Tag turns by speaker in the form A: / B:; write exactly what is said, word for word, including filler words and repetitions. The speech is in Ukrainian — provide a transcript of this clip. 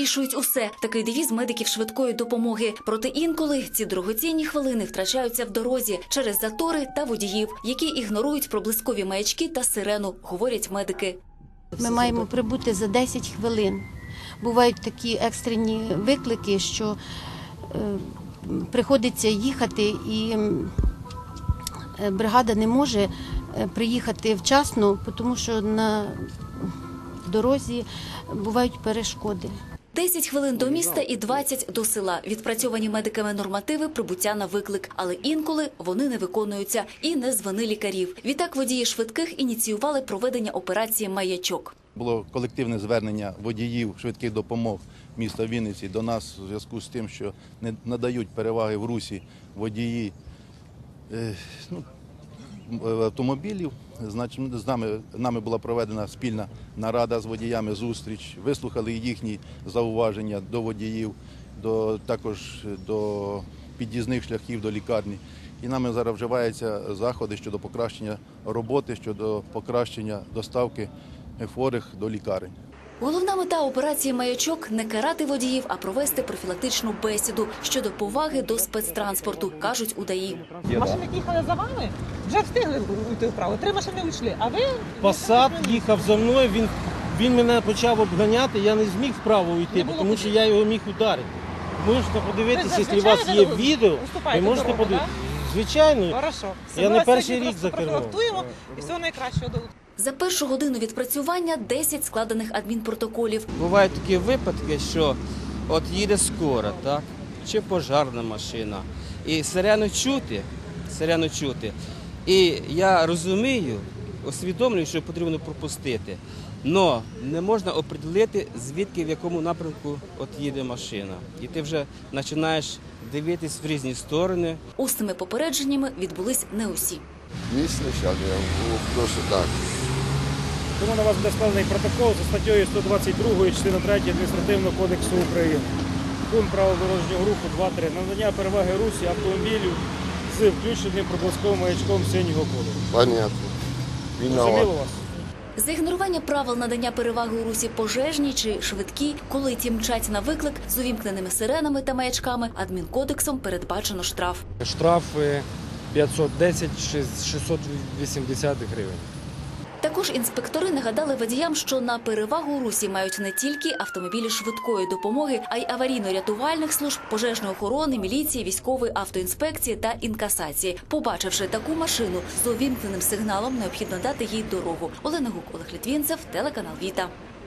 A: вирішують усе. Такий девіз медиків швидкої допомоги. Проте інколи ці дорогоцінні хвилини втрачаються в дорозі через затори та водіїв, які ігнорують проблискові маячки та сирену, говорять медики.
B: Ми маємо прибути за десять хвилин. Бувають такі екстрені виклики, що е, приходиться їхати, і е, бригада не може приїхати вчасно, тому що на дорозі бувають перешкоди.
A: десять хвилин до міста і двадцять до села. Відпрацьовані медиками нормативи прибуття на виклик. Але інколи вони не виконуються і не з вини лікарів. Відтак водії швидких ініціювали проведення операції «Маячок».
C: Було колективне звернення водіїв швидких допомог міста Вінниці до нас у зв'язку з тим, що не надають переваги в русі водії е, ну, автомобілів. Значить, з нами, нами була проведена спільна нарада з водіями, зустріч, вислухали їхні зауваження до водіїв, до, також до під'їзних шляхів до лікарні. І нами зараз вживаються заходи щодо покращення роботи, щодо покращення доставки хворих до лікарень.
A: Головна мета операції «Маячок» – не карати водіїв, а провести профілактичну бесіду щодо поваги до спецтранспорту, кажуть у ДАІ.
D: Машини, які їхали за вами, вже встигли йти вправо. Три машини вийшли, а ви…
E: Пасат їхав за мною, він, він мене почав обганяти, я не зміг вправо йти, тому що я його міг ударити. Можете подивитися, якщо у вас є відео, ви можете подивитися. Звичайно,
D: Хорошо.
E: я не перший рік за кермом.
D: І всього найкращого до.
A: За першу годину відпрацювання – десять складених адмінпротоколів.
F: Бувають такі випадки, що от їде скора, так, чи пожарна машина, і сирену чути, сирену чути. І я розумію, усвідомлюю, що потрібно пропустити, але не можна определити, звідки, в якому напрямку от їде машина. І ти вже починаєш дивитись в різні сторони.
A: Усними попередженнями відбулись не усі.
G: Дійсно, зараз я прошу так.
H: Тому на вас буде складений протокол за статтею сто двадцять два, частина третя Адміністративного кодексу України. Пункт правил дорожнього руху два три. Надання переваги русі автомобілів з включеним проблисковим маячком синього кольору.
G: Понятно.
H: Зрозуміло вас?
A: За ігнорування правил надання переваги у русі пожежній чи швидкі, коли ті мчать на виклик з увімкненими сиренами та маячками, адмінкодексом передбачено штраф.
I: Штрафи п'ятсот десять - шістсот вісімдесят гривень.
A: Також інспектори нагадали водіям, що на перевагу у русі мають не тільки автомобілі швидкої допомоги, а й аварійно-рятувальних служб, пожежної охорони, міліції, військової автоінспекції та інкасації. Побачивши таку машину з увімкненим сигналом, необхідно дати їй дорогу. Олена Гук, Олег Літвінцев, телеканал Віта.